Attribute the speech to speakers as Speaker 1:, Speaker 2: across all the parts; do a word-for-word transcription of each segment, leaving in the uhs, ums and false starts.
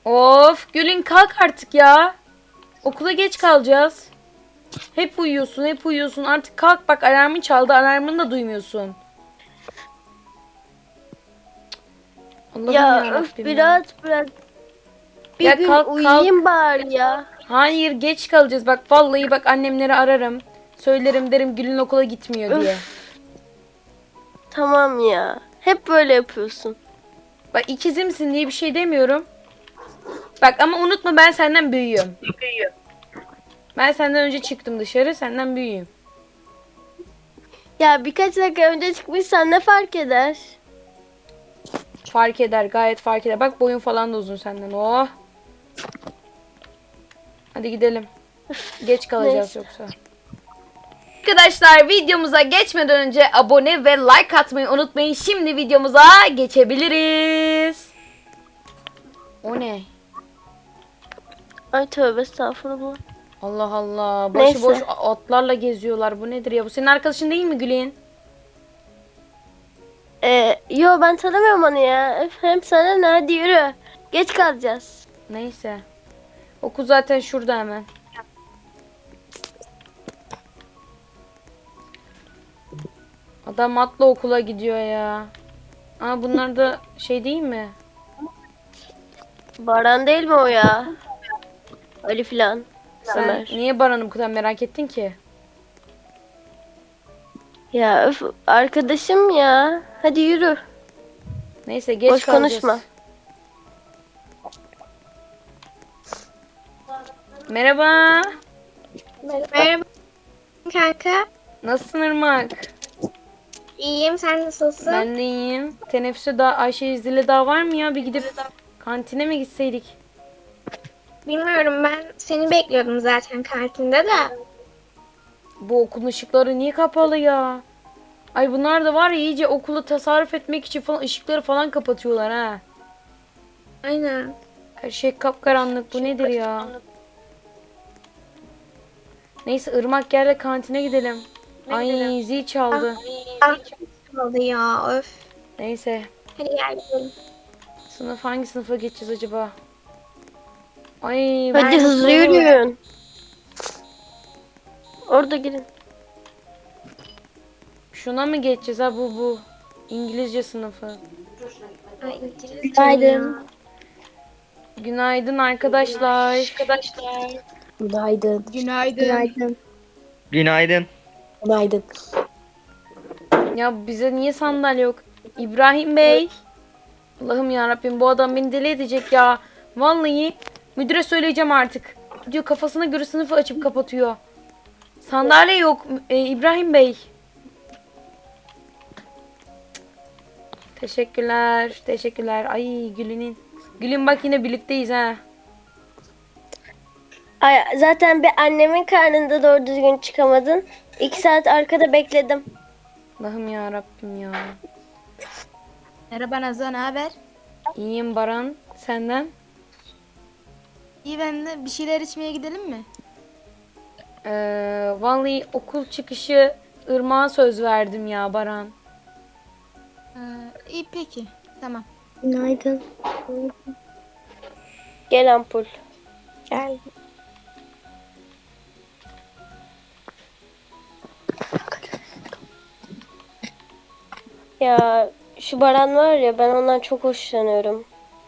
Speaker 1: Of Gülün kalk artık ya. Okula geç kalacağız. Hep uyuyorsun hep uyuyorsun. Artık kalk bak alarmın çaldı. Alarmını da duymuyorsun. Allah'ım
Speaker 2: Ya
Speaker 1: ya
Speaker 2: öf
Speaker 1: Rabbim ya.
Speaker 2: biraz biraz bir
Speaker 1: Ya
Speaker 2: gün
Speaker 1: kalk kalk.
Speaker 2: uyuyayım bari ya.
Speaker 1: Hayır geç kalacağız. Bak vallahi bak annemleri ararım. Söylerim derim Gülün okula gitmiyor diye.
Speaker 2: Öf tamam ya. Hep böyle yapıyorsun.
Speaker 1: Bak ikizimsin diye bir şey demiyorum. Bak ama unutma ben senden büyüğüm. Ben senden önce çıktım dışarı. Senden büyüğüm.
Speaker 2: Ya birkaç dakika önce çıkmışsan ne fark eder?
Speaker 1: Fark eder gayet fark eder. Bak boyun falan da uzun senden. Oh. Hadi gidelim. Geç kalacağız
Speaker 2: Neyse.
Speaker 1: yoksa. Arkadaşlar videomuza geçmeden önce abone ve like atmayı unutmayın. Şimdi videomuza geçebiliriz. O ne?
Speaker 2: Ay tövbe estağfurullah.
Speaker 1: Allah Allah.
Speaker 2: Neyse.
Speaker 1: Başıboş atlarla geziyorlar. Bu nedir ya? Bu senin arkadaşın değil mi Gülin?
Speaker 2: Ee, yo ben tanımıyorum onu ya. Öf, hem sana ne, hadi yürü. Geç kalacağız.
Speaker 1: Neyse. Okul zaten şurada hemen. Adam atla okula gidiyor ya. Aa bunlar da şey değil mi?
Speaker 2: Baran değil mi o ya? Ali filan.
Speaker 1: Sen
Speaker 2: Ömer.
Speaker 1: niye Baran'ı bu kadar merak ettin ki?
Speaker 2: Ya öf arkadaşım ya. Hadi yürü.
Speaker 1: Neyse geç
Speaker 2: Boş
Speaker 1: kalacağız.
Speaker 2: konuşma.
Speaker 1: Merhaba.
Speaker 3: Merhaba kanka.
Speaker 1: Nasılsın Irmak?
Speaker 3: İyiyim, sen nasılsın?
Speaker 1: Ben de iyiyim. Teneffüse daha Ayşe İzdil'e daha var mı ya? Bir gidip kantine mi gitseydik?
Speaker 3: Bilmiyorum, ben seni bekliyordum zaten kantinde de.
Speaker 1: Bu okulun ışıkları niye kapalı ya? Ay bunlar da var ya iyice okulu tasarruf etmek için falan ışıkları falan kapatıyorlar ha.
Speaker 3: Aynen.
Speaker 1: Her şey kapkaranlık. Bu nedir ya? Neyse Irmak gel de kantine gidelim. Ay zil çaldı.
Speaker 3: Ah, çok oldu ya, öf.
Speaker 1: Neyse.
Speaker 3: Hadi gel gidelim.
Speaker 1: Sınıf hangi sınıfa geçeceğiz acaba? Ay
Speaker 2: Hadi
Speaker 1: ben
Speaker 2: hızlı yürüyün. Orada girin.
Speaker 1: şuna mı geçeceğiz ha bu bu. İngilizce sınıfı.
Speaker 3: Ay, İngilizce
Speaker 4: Günaydın.
Speaker 3: ya.
Speaker 1: Günaydın arkadaşlar.
Speaker 4: Günaydın. Günaydın.
Speaker 5: Günaydın.
Speaker 4: Günaydın.
Speaker 1: Ya bize niye sandalye yok? İbrahim Bey. Allah'ım ya Rabbim bu adam beni deli edecek ya. Vallahi müdüre söyleyeceğim artık. Diyor kafasına göre sınıfı açıp kapatıyor. Sandalye yok e, İbrahim Bey. Teşekkürler. Teşekkürler. Ay Gül'ün. Gül'ün bak yine birlikteyiz ha.
Speaker 2: Ay, zaten bir annemin karnında doğru düzgün çıkamadın. İki saat arkada bekledim.
Speaker 1: Allah'ım ya Rabbim ya.
Speaker 4: Merhaba Nazan, ne haber?
Speaker 1: İyiyim Baran. Senden?
Speaker 4: İyi, ben de bir şeyler içmeye gidelim mi?
Speaker 1: Ee, vallahi okul çıkışı Irmak'a söz verdim ya Baran.
Speaker 4: Ee, iyi peki, tamam.
Speaker 2: Günaydın. Gel ampul.
Speaker 4: Gel.
Speaker 2: Ya şu Baran var ya, ben ondan çok hoşlanıyorum.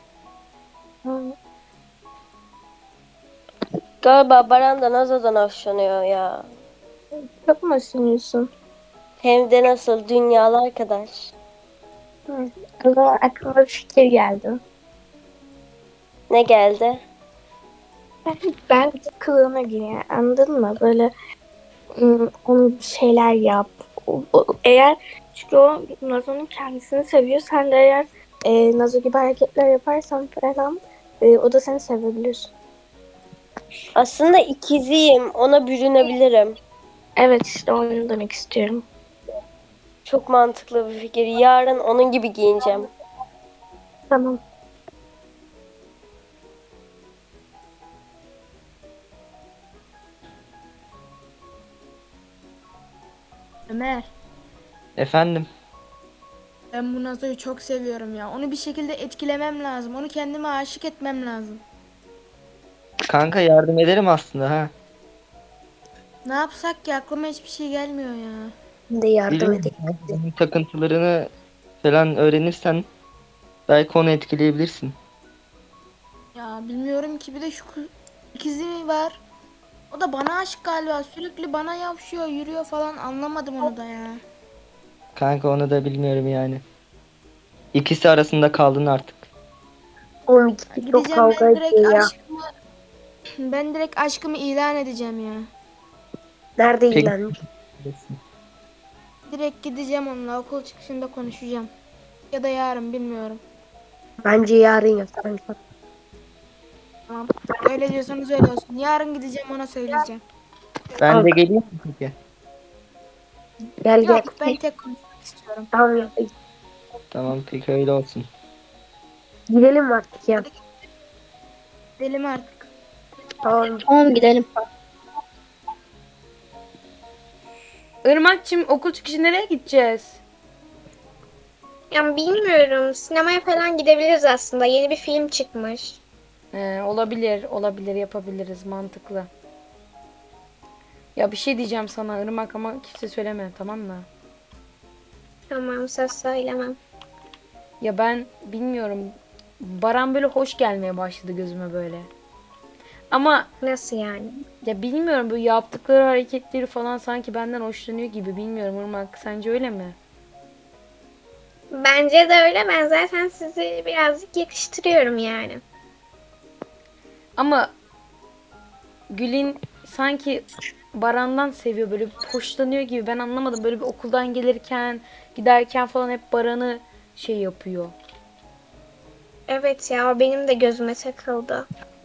Speaker 2: Galiba Baran da Nazo'dan hoşlanıyor ya.
Speaker 4: Çok mu ısınıyorsun?
Speaker 2: Hem de nasıl, dünyalar arkadaş.
Speaker 4: O zaman aklıma bir fikir geldi.
Speaker 2: Ne geldi?
Speaker 4: Ben kılığına gir yani, anladın mı? Böyle ım, onu bir şeyler yap. O- o- Eğer çünkü o Nazo'nun kendisini seviyor. Sen de eğer e, Nazo gibi hareketler yaparsan falan e, o da seni sevebilir.
Speaker 2: Aslında ikiziyim, ona bürünebilirim.
Speaker 4: Evet işte onu demek istiyorum.
Speaker 2: Çok mantıklı bir fikir. Yarın onun gibi giyineceğim.
Speaker 4: Tamam. Ömer,
Speaker 5: Efendim. Ben bu Nazo'yu çok seviyorum ya. Onu bir şekilde etkilemem lazım. Onu kendime aşık etmem lazım.
Speaker 6: Kanka yardım ederim aslında ha.
Speaker 5: Ne yapsak ki aklıma hiçbir şey gelmiyor ya.
Speaker 4: Ben de yardım
Speaker 6: Bilmiyorum.
Speaker 4: edeyim.
Speaker 6: Onun takıntılarını falan öğrenirsen belki onu etkileyebilirsin.
Speaker 5: Ya bilmiyorum ki bir de şu kız- ikizi mi var? O da bana aşık galiba. Sürekli bana yavşıyor, yürüyor falan. Anlamadım onu da ya.
Speaker 6: Kanka onu da bilmiyorum yani. İkisi arasında kaldın artık.
Speaker 4: Oğlum ikisi çok
Speaker 5: Gideceğim
Speaker 4: kavga
Speaker 5: ben direkt
Speaker 4: ediyor ya.
Speaker 5: aşkımı ben direkt aşkımı ilan edeceğim ya.
Speaker 4: Nerede
Speaker 6: Peki.
Speaker 4: ilan?
Speaker 5: Direkt gideceğim onunla okul çıkışında konuşacağım. Ya da yarın bilmiyorum.
Speaker 4: Bence yarın yap kanka.
Speaker 5: Tamam. Öyle diyorsanız öyle olsun. Yarın gideceğim ona söyleyeceğim.
Speaker 6: Ben de geleyim mi peki?
Speaker 4: Gel gel.
Speaker 5: Yok ben tek konuşmak istiyorum.
Speaker 4: Tamam ya.
Speaker 6: Tamam peki öyle olsun.
Speaker 4: Gidelim artık ya.
Speaker 5: Gidelim artık.
Speaker 4: Tamam.
Speaker 2: Tamam gidelim.
Speaker 1: Irmak'cığım okul çıkışı nereye gideceğiz?
Speaker 3: Ya bilmiyorum. Sinemaya falan gidebiliriz aslında. Yeni bir film çıkmış.
Speaker 1: Ee, olabilir, olabilir yapabiliriz mantıklı. Ya bir şey diyeceğim sana Irmak ama kimse söyleme tamam mı?
Speaker 3: Tamam, söz söylemem.
Speaker 1: Ya ben bilmiyorum. Baran böyle hoş gelmeye başladı gözüme böyle. Ama
Speaker 3: Nasıl yani?
Speaker 1: ya bilmiyorum böyle yaptıkları hareketleri falan sanki benden hoşlanıyor gibi bilmiyorum Irmak. Sence öyle mi?
Speaker 3: Bence de öyle. Ben zaten sizi birazcık yakıştırıyorum yani.
Speaker 1: Ama Gül'in sanki Baran'dan seviyor böyle hoşlanıyor gibi ben anlamadım. Böyle bir okuldan gelirken giderken falan hep Baran'ı şey yapıyor.
Speaker 3: Evet ya, o benim de gözüme takıldı.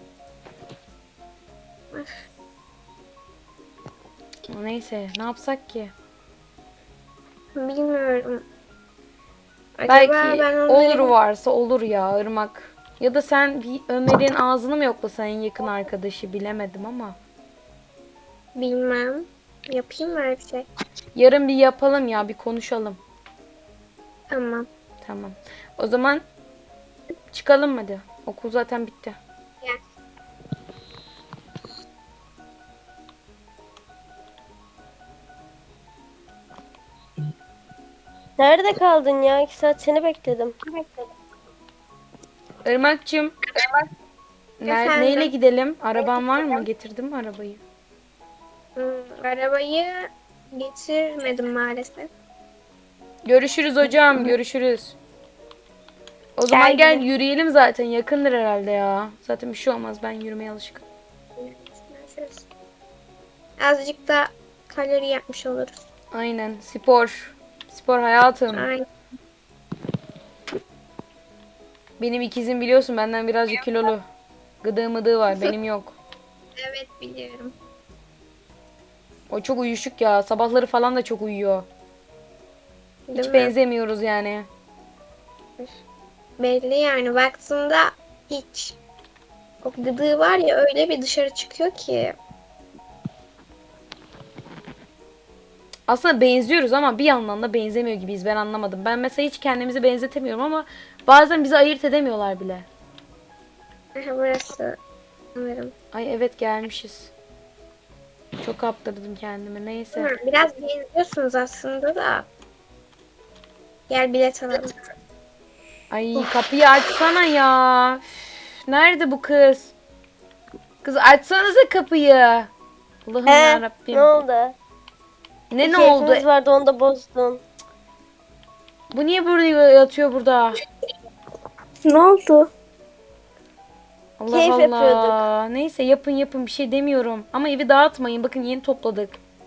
Speaker 1: Neyse ne yapsak ki?
Speaker 3: Bilmiyorum. Acaba
Speaker 1: Belki
Speaker 3: ben onları...
Speaker 1: olur varsa olur ya Irmak. Ya da sen bir Ömer'in ağzını mı yoklasan en yakın arkadaşı bilemedim ama.
Speaker 3: Bilmem. Yapayım mı öyle bir şey?
Speaker 1: Yarın bir yapalım ya bir konuşalım.
Speaker 3: Tamam.
Speaker 1: Tamam. O zaman çıkalım hadi. Okul zaten bitti.
Speaker 3: Gel.
Speaker 2: Nerede kaldın ya? İki saat seni bekledim.
Speaker 1: Irmak'cığım ner-
Speaker 3: Efendim?
Speaker 1: neyle gidelim? Araban var mı? Getirdin mi arabayı?
Speaker 3: Hmm, arabayı getirmedim maalesef.
Speaker 1: Görüşürüz hocam. Görüşürüz. O zaman gel yürüyelim zaten. Yakındır herhalde ya. Zaten bir şey olmaz. Ben yürümeye alışkınım.
Speaker 3: Görüşürüz. Azıcık da kalori yapmış oluruz.
Speaker 1: Aynen. Spor. Spor hayatım.
Speaker 3: Aynen.
Speaker 1: Benim ikizim biliyorsun benden birazcık kilolu. Gıdığı mıdığı var. Benim yok.
Speaker 3: Evet, biliyorum.
Speaker 1: O çok uyuşuk ya. Sabahları falan da çok uyuyor.
Speaker 3: Değil
Speaker 1: Hiç
Speaker 3: mi?
Speaker 1: benzemiyoruz yani.
Speaker 3: Belli yani, baktığında hiç. O gıdığı var ya, öyle bir dışarı çıkıyor ki.
Speaker 1: Aslında benziyoruz ama bir yandan da benzemiyor gibiyiz. Ben anlamadım. Ben mesela hiç kendimizi benzetemiyorum ama bazen bizi ayırt edemiyorlar bile.
Speaker 3: Aha, burası sanırım.
Speaker 1: Ay evet gelmişiz. Çok kaptırdım kendimi. Neyse.
Speaker 3: Hı, biraz benziyorsunuz aslında da. Gel bilet alalım.
Speaker 1: Ay kapıyı açsana ya. Üf, nerede bu kız? Kız açsanıza kapıyı. Allah'ım
Speaker 2: He,
Speaker 1: yarabbim.
Speaker 2: ne oldu?
Speaker 1: Ne ne
Speaker 2: Keyfimiz
Speaker 1: oldu?
Speaker 2: vardı onu da bozdun.
Speaker 1: Bu niye burada yatıyor burada?
Speaker 4: Ne oldu?
Speaker 1: Allah
Speaker 2: Keyif
Speaker 1: Allah.
Speaker 2: yapıyorduk.
Speaker 1: Neyse yapın yapın bir şey demiyorum. Ama evi dağıtmayın. Bakın yeni topladık.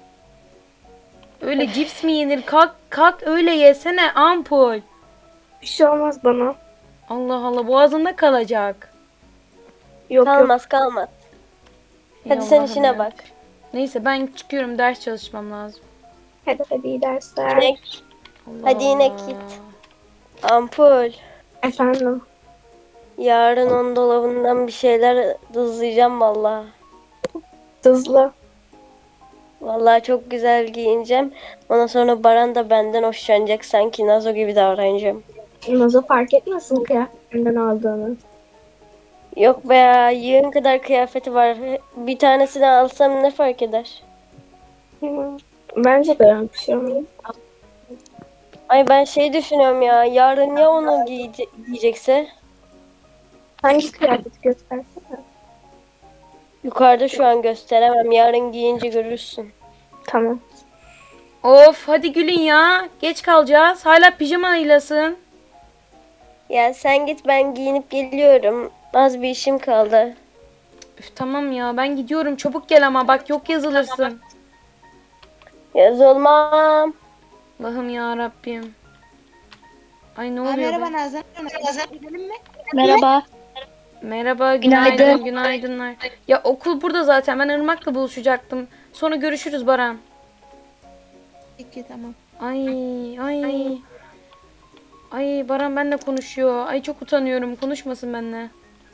Speaker 1: Öyle cips mi yenir? Kalk kalk öyle yesene ampul.
Speaker 4: Bir şey olmaz bana.
Speaker 1: Allah Allah boğazında kalacak.
Speaker 4: Yok yok.
Speaker 2: Kalmaz kalmaz.
Speaker 1: Ey
Speaker 2: Hadi sen
Speaker 1: Allah'ım
Speaker 2: işine
Speaker 1: ya.
Speaker 2: bak.
Speaker 1: Neyse ben çıkıyorum ders çalışmam lazım.
Speaker 4: Hadi hadi iyi dersler.
Speaker 2: Yine,
Speaker 1: Allah
Speaker 2: Hadi yine
Speaker 1: Allah.
Speaker 2: git. Ampul.
Speaker 4: Efendim.
Speaker 2: Yarın onun dolabından bir şeyler hızlayacağım valla.
Speaker 4: Hızlı.
Speaker 2: Vallahi çok güzel giyineceğim. Ondan sonra Baran da benden hoşlanacak. Sanki Nazo gibi davranacağım.
Speaker 4: Nazo fark etmesin kıyafetinden aldığını.
Speaker 2: Yok be ya, yığın kadar kıyafeti var. Bir tanesini alsam ne fark eder?
Speaker 4: Hı. Bence de öyle bir şey olmaz.
Speaker 2: Ay ben şey düşünüyorum ya. Yarın ya onu giyece- giyecekse?
Speaker 4: Hangi kıyafeti göstersene.
Speaker 2: Yukarıda şu an gösteremem. Yarın giyince görürsün.
Speaker 4: Tamam.
Speaker 1: Of hadi gülün ya. Geç kalacağız. Hala pijamaylasın.
Speaker 2: Ya sen git, ben giyinip geliyorum. Az bir işim kaldı.
Speaker 1: Üf, tamam ya ben gidiyorum. Çabuk gel ama bak yok yazılırsın.
Speaker 2: Yaz olmam.
Speaker 1: Allah'ım ya Rabbim. Ay ne
Speaker 5: Ha,
Speaker 1: oluyor
Speaker 5: merhaba
Speaker 1: be?
Speaker 5: Nazan. Nazan gidelim mi?
Speaker 2: Merhaba.
Speaker 1: Merhaba, günaydın, günaydınlar. Ya okul burada zaten. Ben Irmak'la buluşacaktım. Sonra görüşürüz Baran.
Speaker 5: Peki tamam.
Speaker 1: Ay, ay. Ay Baran benimle konuşuyor. Ay çok utanıyorum. Konuşmasın benimle.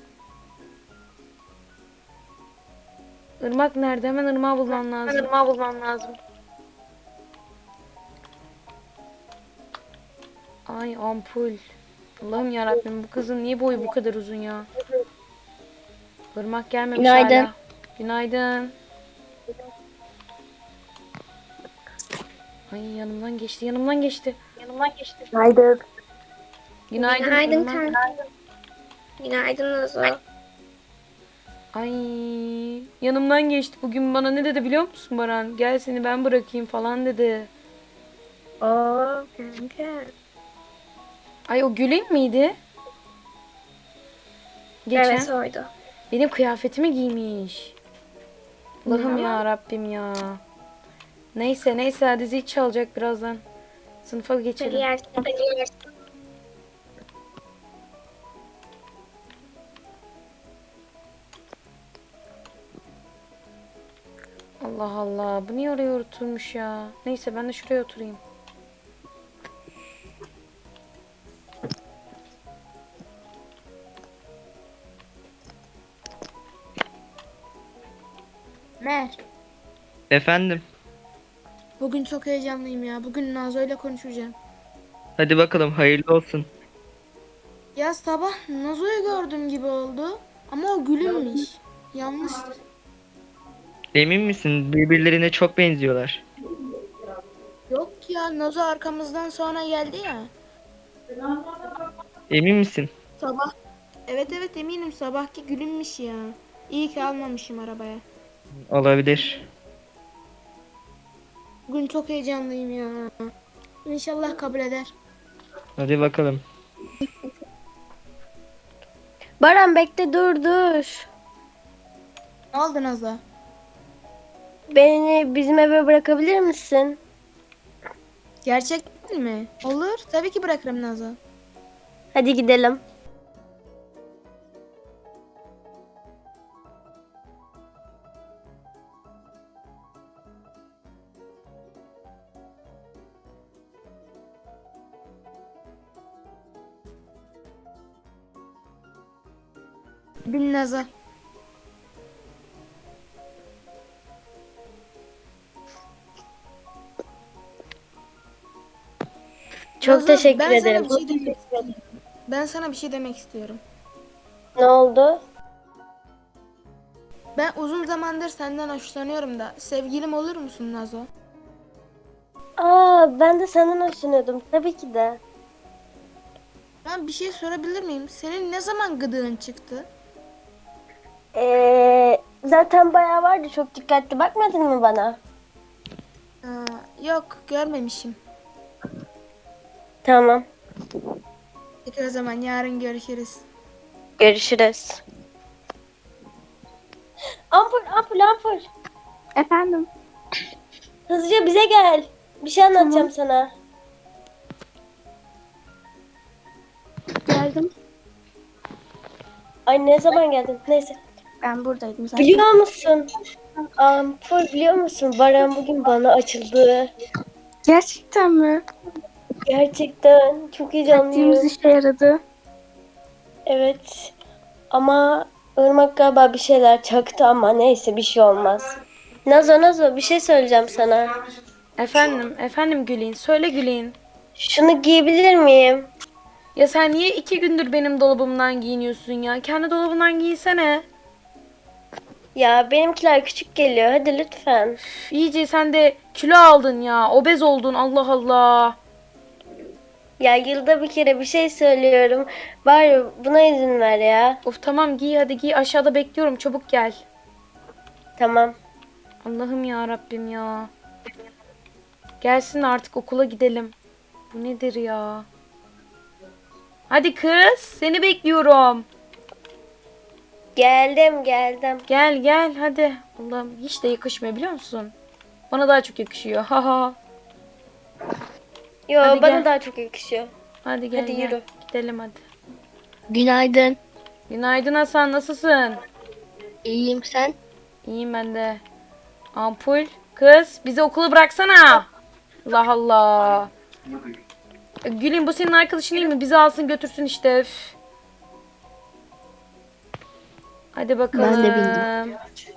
Speaker 1: Irmak nerede? Hemen Irmak'ı bulmam lazım. Irmak'ı bulmam lazım. Ay ampul. Allah'ım yarabbim bu kızın niye boyu bu kadar uzun ya? Irmak gelmemiş
Speaker 2: Günaydın.
Speaker 1: hala. Günaydın. Ay yanımdan geçti, yanımdan geçti. Yanımdan geçti.
Speaker 4: Günaydın.
Speaker 1: Günaydın,
Speaker 3: Günaydın
Speaker 1: Irmak.
Speaker 3: kanka. Günaydın Nazo.
Speaker 1: Ay yanımdan geçti. Bugün bana ne dedi biliyor musun Baran? Gel seni ben bırakayım falan dedi.
Speaker 3: Oo kanka.
Speaker 1: Ay o Gül'ün miydi? Geçen
Speaker 3: Evet oydu.
Speaker 1: benim kıyafetimi giymiş. Allah'ım ya Rabbim ya. Neyse neyse hadi zil çalacak birazdan. Sınıfa
Speaker 3: Hadi
Speaker 1: geçelim.
Speaker 3: yersin. Hadi yersin.
Speaker 1: Allah Allah bu niye oraya oturmuş ya? Neyse ben de şuraya oturayım.
Speaker 5: Mer.
Speaker 6: Efendim.
Speaker 5: Bugün çok heyecanlıyım ya. Bugün Nazo ile konuşacağım.
Speaker 6: Hadi bakalım hayırlı olsun.
Speaker 5: Ya sabah Nazo'yu gördüm gibi oldu. Ama o Gül'ünmüş. Yanlıştır.
Speaker 6: Emin misin? Birbirlerine çok benziyorlar.
Speaker 5: Yok ya Nazo arkamızdan sonra geldi ya.
Speaker 6: Emin misin?
Speaker 5: Sabah. Evet evet eminim sabahki Gül'ünmüş ya. İyi ki almamışım arabaya.
Speaker 6: Olabilir.
Speaker 5: Bugün çok heyecanlıyım ya. İnşallah kabul eder.
Speaker 6: Hadi bakalım.
Speaker 2: Baran bekle, dur dur.
Speaker 5: Ne oldu Nazo?
Speaker 2: Beni bizim eve bırakabilir misin?
Speaker 5: Gerçekten mi? Olur. Tabii ki bırakırım Nazo.
Speaker 2: Hadi gidelim.
Speaker 5: Bin Nazo.
Speaker 2: Çok
Speaker 5: Nazo,
Speaker 2: teşekkür
Speaker 5: ben
Speaker 2: ederim.
Speaker 5: Sana bir şey demek istiyorum. Ben sana bir şey demek istiyorum.
Speaker 2: Ne oldu?
Speaker 5: Ben uzun zamandır senden hoşlanıyorum da sevgilim olur musun Nazo?
Speaker 2: Aa, ben de senden hoşlanıyordum. Tabii ki de.
Speaker 5: Ben bir şey sorabilir miyim? Senin ne zaman gıdığın çıktı?
Speaker 2: Ee, zaten bayağı vardı. Çok dikkatli bakmadın mı bana?
Speaker 5: Aa, yok görmemişim.
Speaker 2: Tamam.
Speaker 5: Peki o zaman yarın görüşürüz.
Speaker 2: Görüşürüz. Ampul, ampul, ampul.
Speaker 4: Efendim.
Speaker 2: Hızlıca bize gel. Bir şey anlatacağım sana.
Speaker 4: Geldim.
Speaker 2: Ay ne zaman geldin? Neyse.
Speaker 4: Ben buradaydım zaten.
Speaker 2: Biliyor musun? Ampul biliyor musun? Baran bugün bana açıldı.
Speaker 4: Gerçekten mi?
Speaker 2: Gerçekten çok heyecanlıyım.
Speaker 4: Taktiğimiz işe yaradı.
Speaker 2: Evet. Ama Irmak galiba bir şeyler çaktı ama neyse bir şey olmaz. Nazo Nazo bir şey söyleyeceğim sana.
Speaker 1: Efendim, efendim Gülin. Söyle Gülin.
Speaker 2: Şunu giyebilir miyim?
Speaker 1: Ya sen niye iki gündür benim dolabımdan giyiniyorsun ya? Kendi dolabından giyinsene.
Speaker 2: Ya benimkiler küçük geliyor. Hadi lütfen.
Speaker 1: Üf, İyice sen de kilo aldın ya. Obez oldun Allah Allah.
Speaker 2: Ya yılda bir kere bir şey söylüyorum. Bari buna izin ver ya.
Speaker 1: Of tamam giy hadi giy. Aşağıda bekliyorum. Çabuk gel.
Speaker 2: Tamam.
Speaker 1: Allah'ım ya Rabbim ya. Gelsin artık okula gidelim. Bu nedir ya? Hadi kız, seni bekliyorum.
Speaker 2: Geldim geldim.
Speaker 1: Gel gel hadi. Allah'ım hiç de yakışmıyor biliyor musun? Bana daha çok yakışıyor. Haha.
Speaker 2: Yo
Speaker 1: Hadi
Speaker 2: bana
Speaker 1: gel.
Speaker 2: daha çok yakışıyor.
Speaker 1: Hadi gel
Speaker 2: Hadi
Speaker 1: gel.
Speaker 2: yürü.
Speaker 1: Gidelim hadi.
Speaker 4: Günaydın.
Speaker 1: Günaydın Hasan nasılsın?
Speaker 4: İyiyim sen?
Speaker 1: İyiyim ben de. Ampul. Kız bizi okula bıraksana. Allah Allah. E, Gülün bu senin arkadaşın değil mi? Bizi alsın götürsün işte. Üf. Hadi bakalım.
Speaker 4: Ben de bindim.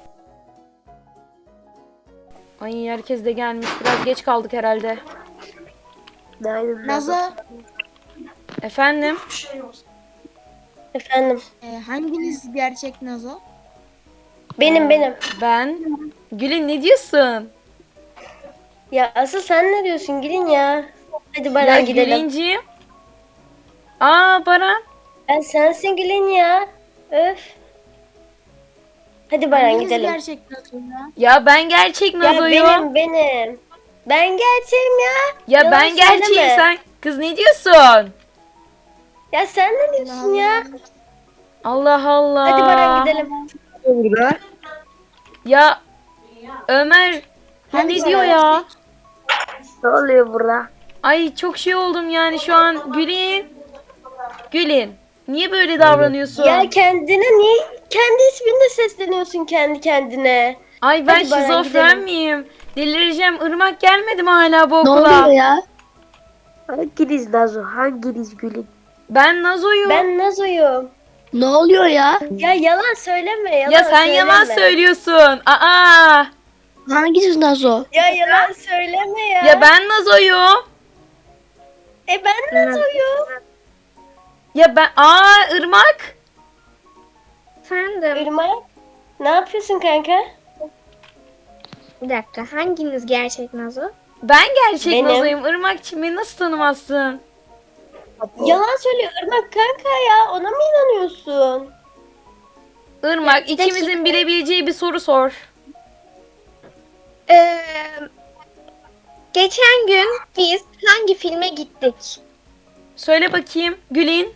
Speaker 1: Ay herkes de gelmiş. Biraz geç kaldık herhalde.
Speaker 2: Günaydın.
Speaker 5: Nazo,
Speaker 1: Efendim?
Speaker 2: Efendim.
Speaker 5: e, hanginiz gerçek Nazo?
Speaker 2: Benim benim.
Speaker 1: Ben. Gülün ne diyorsun?
Speaker 2: Ya asıl sen ne diyorsun Gülün ya? Hadi Baran
Speaker 1: Ya
Speaker 2: gidelim.
Speaker 1: Gülinciğim. Aa Baran.
Speaker 2: Ben sensin Gülün ya. Öf. Hadi Baran
Speaker 5: Hanginiz
Speaker 2: gidelim.
Speaker 5: gerçek Nazo ya?
Speaker 1: Ya ben gerçek
Speaker 2: Ya
Speaker 1: Nazo'yum.
Speaker 2: benim benim. Ben gerçeğim ya.
Speaker 1: Ya
Speaker 2: Yalan
Speaker 1: ben gerçeğim
Speaker 2: söyleme.
Speaker 1: sen. Kız ne diyorsun?
Speaker 2: Ya sen ne diyorsun ya?
Speaker 1: Allah Allah.
Speaker 2: Hadi Baran gidelim.
Speaker 1: Ya Ömer bu ne diyor ya?
Speaker 2: Ne oluyor burada?
Speaker 1: Ay çok şey oldum yani şu an. Gülin. Gülin. Niye böyle davranıyorsun?
Speaker 2: Ya kendine niye kendi isminle sesleniyorsun kendi kendine?
Speaker 1: Ay ben
Speaker 2: Hadi Baran,
Speaker 1: şizofren
Speaker 2: gidelim.
Speaker 1: miyim? Delireceğim. Irmak gelmedi mi hala bu
Speaker 4: Ne
Speaker 1: okula?
Speaker 4: oluyor ya?
Speaker 7: Hanginiz Nazo? Hanginiz Gül'ün?
Speaker 1: Ben Nazo'yum.
Speaker 2: Ben Nazo'yum.
Speaker 4: Ne oluyor ya?
Speaker 2: Ya yalan söyleme yalan
Speaker 1: Ya sen
Speaker 2: söyleme.
Speaker 1: yalan söylüyorsun. Aa!
Speaker 4: Hangisi Nazo?
Speaker 2: Ya yalan söyleme ya.
Speaker 1: Ya ben Nazo'yum.
Speaker 2: E ben Nazo'yum.
Speaker 1: Ya ben aa Irmak.
Speaker 3: Efendim,
Speaker 2: Irmak. Ne yapıyorsun kanka?
Speaker 3: bir dakika. Hanginiz gerçek Nazo?
Speaker 1: Ben gerçek
Speaker 2: Benim.
Speaker 1: Nazo'yum. Irmak'cığım beni nasıl tanımazsın?
Speaker 2: Yalan söylüyor Irmak kanka ya. Ona mı inanıyorsun?
Speaker 1: Irmak
Speaker 2: bir
Speaker 1: ikimizin
Speaker 2: dakika.
Speaker 1: bilebileceği bir soru sor.
Speaker 3: Ee, geçen gün biz hangi filme gittik?
Speaker 1: Söyle bakayım Gülin.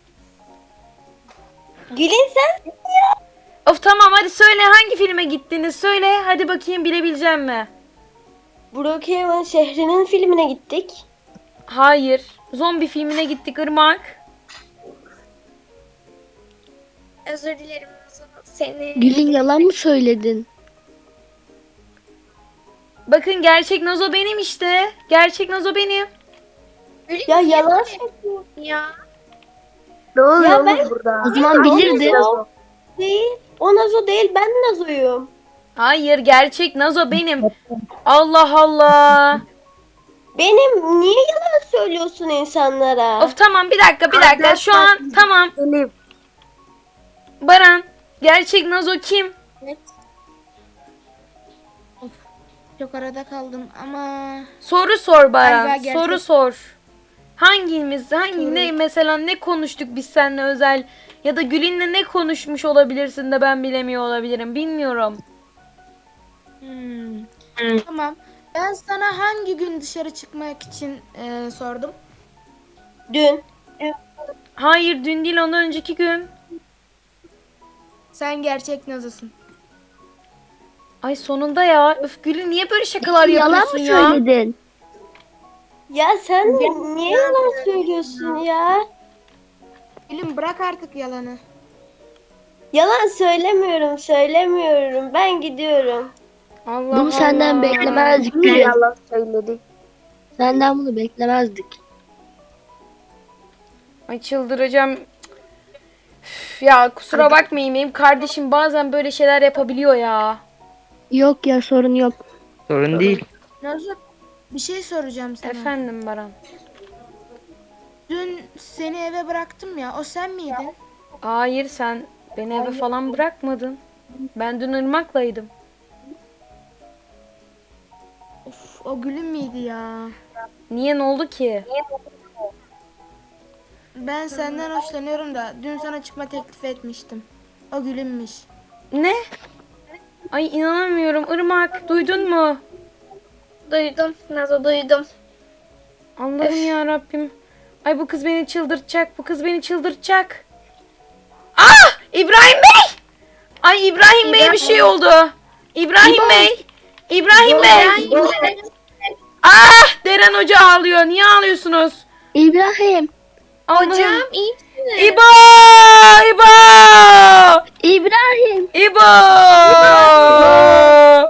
Speaker 2: Gülün sen?
Speaker 1: Of tamam hadi söyle hangi filme gittiniz söyle. Hadi bakayım bilebileceğim mi?
Speaker 2: Brookhaven şehrinin filmine gittik.
Speaker 1: Hayır. Zombi filmine gittik Irmak.
Speaker 3: Özür dilerim Nazo. Seni...
Speaker 4: Gül'ün yalan mı söyledin?
Speaker 1: Bakın gerçek Nazo benim işte. Gerçek Nazo benim.
Speaker 3: Gülün
Speaker 2: Ya
Speaker 3: niye
Speaker 2: yalan
Speaker 3: böyle
Speaker 2: söylüyor.
Speaker 3: ya?
Speaker 7: Ne oluyor
Speaker 2: Ya
Speaker 7: oğlum
Speaker 2: ben-
Speaker 7: burada?
Speaker 4: O zaman bilirdin.
Speaker 2: Nazo değil. O Nazo değil ben Nazo'yum.
Speaker 1: Hayır gerçek Nazo benim. Allah Allah.
Speaker 2: Benim niye yalan söylüyorsun insanlara?
Speaker 1: Of tamam bir dakika bir dakika. Şu an tamam.
Speaker 7: Benim.
Speaker 1: Baran. Gerçek Nazo kim?
Speaker 5: Çok arada kaldım ama
Speaker 1: Soru sor Baran.
Speaker 5: Galiba gerçek.
Speaker 1: Soru sor. Hangimiz, hangi ne mesela ne konuştuk biz seninle özel ya da Gülin'le ne konuşmuş olabilirsin de ben bilemiyor olabilirim. Bilmiyorum.
Speaker 5: hmm. Tamam. Ben sana hangi gün dışarı çıkmak için e, sordum?
Speaker 2: Dün.
Speaker 1: Hayır dün değil ondan önceki gün.
Speaker 5: Sen gerçek Nazo'sun.
Speaker 1: Ay sonunda ya. Öf Gülün niye böyle şakalar
Speaker 4: Yalan mı
Speaker 1: yapıyorsun ya?
Speaker 4: söyledin?
Speaker 2: Ya sen niye yalan söylüyorsun ya?
Speaker 5: Gülüm bırak artık yalanı.
Speaker 2: Yalan söylemiyorum, söylemiyorum. Ben gidiyorum.
Speaker 1: Allah
Speaker 4: Bunu senden
Speaker 1: Allah.
Speaker 4: beklemezdik
Speaker 7: Ne
Speaker 4: Gül'ün.
Speaker 7: yalan söyledi?
Speaker 4: Senden bunu beklemezdik.
Speaker 1: Ay çıldıracağım. Üf, ya kusura bakmayın benim kardeşim bazen böyle şeyler yapabiliyor ya.
Speaker 7: Yok ya sorun yok.
Speaker 6: Sorun değil.
Speaker 5: Nazo, bir şey soracağım sana.
Speaker 1: Efendim Baran.
Speaker 5: Dün seni eve bıraktım ya, o sen miydin?
Speaker 1: Hayır, sen beni eve falan bırakmadın. Ben dün Irmak'laydım.
Speaker 5: Of, o gülüm müydü ya?
Speaker 1: Niye, ne oldu ki?
Speaker 5: Ben senden hoşlanıyorum da dün sana çıkma teklif etmiştim. O gülünmüş.
Speaker 1: Ne? Ay inanamıyorum. Irmak, duydun mu?
Speaker 3: Duydum Nazo, duydum.
Speaker 1: Allah'ım ya Rabbim. Ay bu kız beni çıldırtacak. Bu kız beni çıldırtacak. Ah! İbrahim Bey! Ay İbrahim Bey bir şey oldu. İbrahim Bey! İbrahim Bey! Ah! Deren Hoca ağlıyor. Niye ağlıyorsunuz?
Speaker 7: İbrahim.
Speaker 1: Allah'ım.
Speaker 3: Hocam iyi misiniz?
Speaker 1: İbo! İbo!
Speaker 7: İbrahim.
Speaker 1: İbo!